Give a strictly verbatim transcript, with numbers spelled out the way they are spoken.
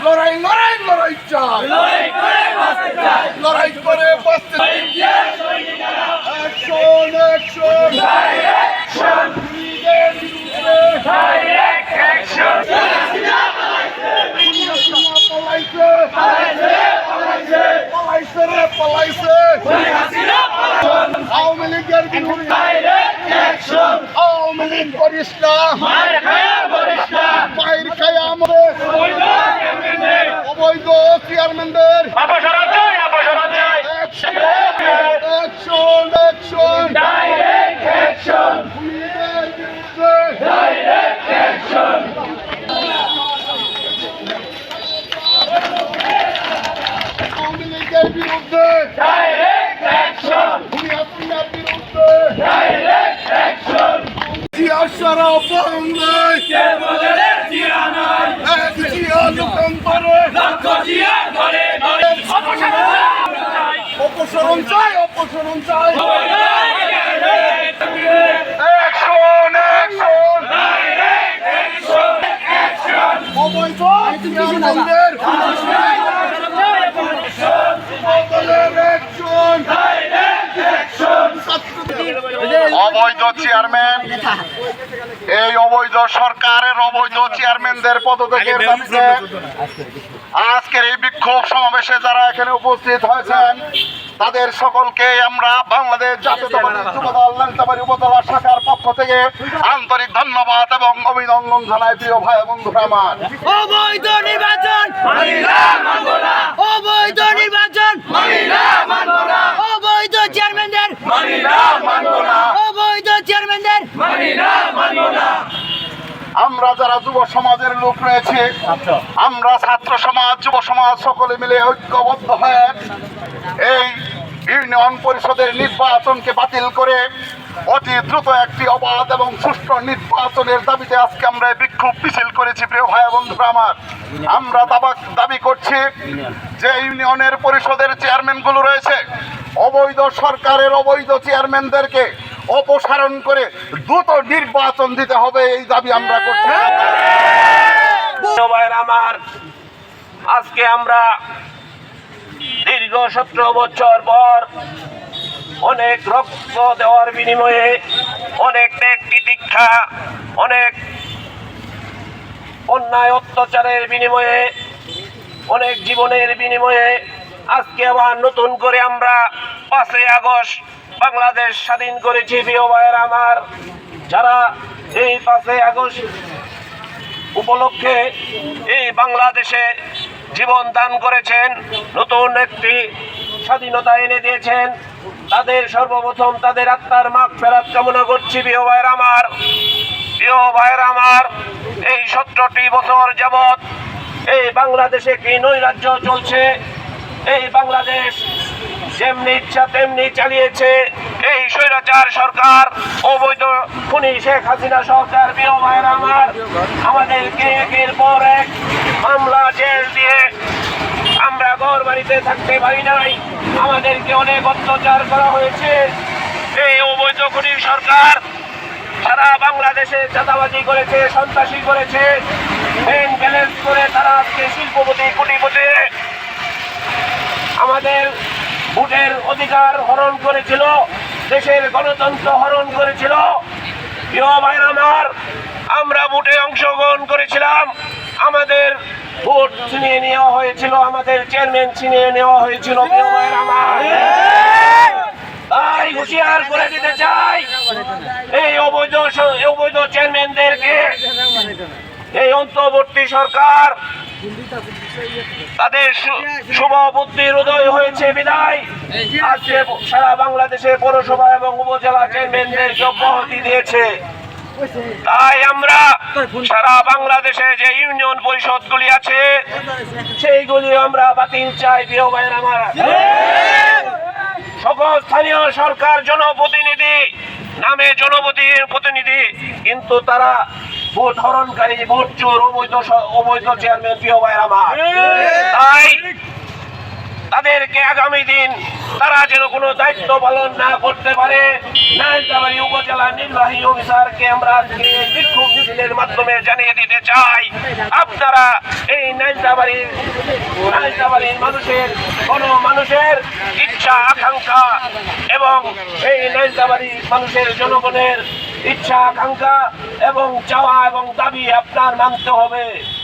লড়াই লড়াই লড়াই চাই, লড়াই করে বাঁচতে চাই, লড়াই করে বাঁচতে চাই। অ্যাকশন অ্যাকশন ডাইরেকশন, লীগের বিরুদ্ধে ডাইরেক্ট অ্যাকশন। পলাইছে পালাইছে, পালাইছে, পলাইছে রে পলাইছে শেখ হাসিনা পালাইছে। আওয়ামী লীগের বিরুদ্ধে ডাইরেক্ট অ্যাকশন, আওয়ামী লীগ করিস না, মার খায়া বলিস না, মায়ের খায় আমাদের বৈধ চেয়ারম্যানদের অবৈধ চেয়ারম্যানদের অপসারণ চাই, অপসারণ চাই। অ্যাকশন অ্যাকশন ডাইরেক্ট অ্যাকশন, লীগের বিরুদ্ধে ডাইরেক্ট অ্যাকশন। আওয়ামী লীগের বিরুদ্ধে ডাইরেক্ট অ্যাকশন, ভূমিহাসিনার বিরুদ্ধে ডাইরেক্ট অ্যাকশন। জিয়া সারা বাংলায় কে বদলের জিয়া নাই, এক জিয়া লোকান্তরে লক্ষ জিয়া ঘরে ঘরে। অপসারণ চাই, অপসারণ চাই অপসারণ চাই অবৈধ চেয়ারম্যানদের action action direct action, action. অবৈধ চেয়ারম্যানদের বদলের অ্যাকশন অবৈধ চেয়ারম্যান এই অবৈধ সরকারের অবৈধ চেয়ারম্যানদের পদত্যাগের দাবিতে আজকের এই বিক্ষোভ সমাবেশে যারা এখানে উপস্থিত হয়েছেন তাদের সকলকে আমরা বাংলাদেশ জাতীয়তাবাদী যুবদল নালিতাবাড়ী উপজেলা শাখার পক্ষ থেকে আন্তরিক ধন্যবাদ এবং অভিনন্দন জানাই। প্রিয় ভাই বন্ধুরা আমার, অবৈধ নির্বাচন, মানিনা মানব না, অবৈধ নির্বাচন, মানিনা মানব না, অবৈধ চেয়ারম্যানদের, মানিনা মানব না, অবৈধ চেয়ারম্যানদের, মানিনা মানব না। আমরা যারা যুব সমাজের লোক রয়েছে, আমরা ছাত্র সমাজ যুব সমাজ সকলে মিলে ঐক্যবদ্ধ হয়ে এই ইউনিয়ন পরিষদের নির্বাচনকে বাতিল করে অতি দ্রুত একটি অবাধ এবং সুষ্ঠু নির্বাচনের দাবিতে আজকে আমরা এই বিক্ষোভ মিছিল করেছি। প্রিয় ভাই বন্ধুরা আমার, আমরা দাবা- দাবি করছি যে ইউনিয়নের পরিষদের চেয়ারম্যানগুলো রয়েছে অবৈধ সরকারের অবৈধ চেয়ারম্যানদেরকে অপসারণ করে দ্রুত নির্বাচন দিতে হবে, এই দাবি আমরা করছি। ভাইয়ের আমার, আজকে আমরা দীর্ঘ সতেরো বছর পর অনেক রক্ত দেওয়ার বিনিময়ে, অনেক ত্যাগ তিতিক্ষা, অনেক অন্যায় অত্যাচারের বিনিময়ে, অনেক জীবনের বিনিময়ে আজকে আবার নতুন করে আমরা পাঁচই আগস্ট বাংলাদেশ স্বাধীন করেছি। প্রিয় ভাইয়ের আমার, যারা এই পাঁচই আগস্ট উপলক্ষে এই বাংলাদেশে জীবন দান করেছেন, নতুন একটি স্বাধীনতা এনে দিয়েছেন, তাদের সর্বপ্রথম তাদের আত্মার মাগফিরাত কামনা করছি। প্রিয় ভাইয়ের আমার, প্রিয় ভাইয়ের আমার, এই সতেরোটি বছর যাবৎ এই বাংলাদেশে কি নৈরাজ্য চলছে, এই বাংলাদেশ যেমনি ইচ্ছা তেমনি চালিয়েছে এই স্বৈরাচার সরকার, অবৈধ খুনি শেখ হাসিনা সরকার। প্রিয় ভাইয়ের আমার, আমাদেরকে একের পর এক মামলা জেল দিয়ে আমরা ঘর বাড়িতে থাকতে পারি নাই, আমাদেরকে অনেক অত্যাচার করা হয়েছে। এই অবৈধ খুনি সরকার সারা বাংলাদেশে চাঁদাবাজি করেছে, সন্ত্রাসী করেছে, ব্যাংক ব্যালেন্স করে তারা আজকে শিল্পপতি কোটিপতি আমাদের ভোটের অধিকার হরণ করেছিল, দেশের গণতন্ত্র হরণ করেছিল। প্রিয় ভাইরা আমার, আমরা ভোটে অংশগ্রহণ করেছিলাম, আমাদের ভোট ছিনিয়ে নেওয়া হয়েছিল, আমাদের চেয়ারম্যান ছিনিয়ে নেওয়া হয়েছিল। প্রিয় ভাইরা আমার, তাই হুঁশিয়ার করে দিতে চাই এই অবৈধ অবৈধ চেয়ারম্যানদেরকে, এই অন্তর্বর্তী সরকার তাদের শুভ বুদ্ধির উদয় হয়েছে বিদায় আজকে সারা বাংলাদেশে পৌরসভা এবং উপজেলা চেয়ারম্যানদেরকে অব্যাহতি দিয়েছে। তাই আমরা সারা বাংলাদেশে যে ইউনিয়ন পরিষদগুলি আছে সেইগুলি আমরা বাতিল চাই। প্রিয় ভাইয়ের আমার, সকল স্থানীয় সরকার জনপ্রতিনিধি নামে জনপ্রতিনিধি, কিন্তু তারা ভোট হরণকারী, ভোট চোর, অবৈধ অবৈধ চেয়ারম্যান। প্রিয় ভাইয়ের আমার, তাই তাদেরকে আগামী দিন তারা যেন কোনো দায়িত্ব পালন না করতে পারে, নালিতাবাড়ী উপজেলা নির্বাহী অফিসারকে আমরা বিক্ষোভ মিছিলের মাধ্যমে জানিয়ে দিতে চাই, আপনারা এই নালিতাবাড়ী নালিতাবাড়ির নালিতাবাড়ির মানুষের কোন মানুষের ইচ্ছা আকাঙ্ক্ষা এবং এই নালিতাবাড়ির মানুষের জনগণের ইচ্ছা আকাঙ্ক্ষা এবং চাওয়া এবং দাবি আপনার মানতে হবে।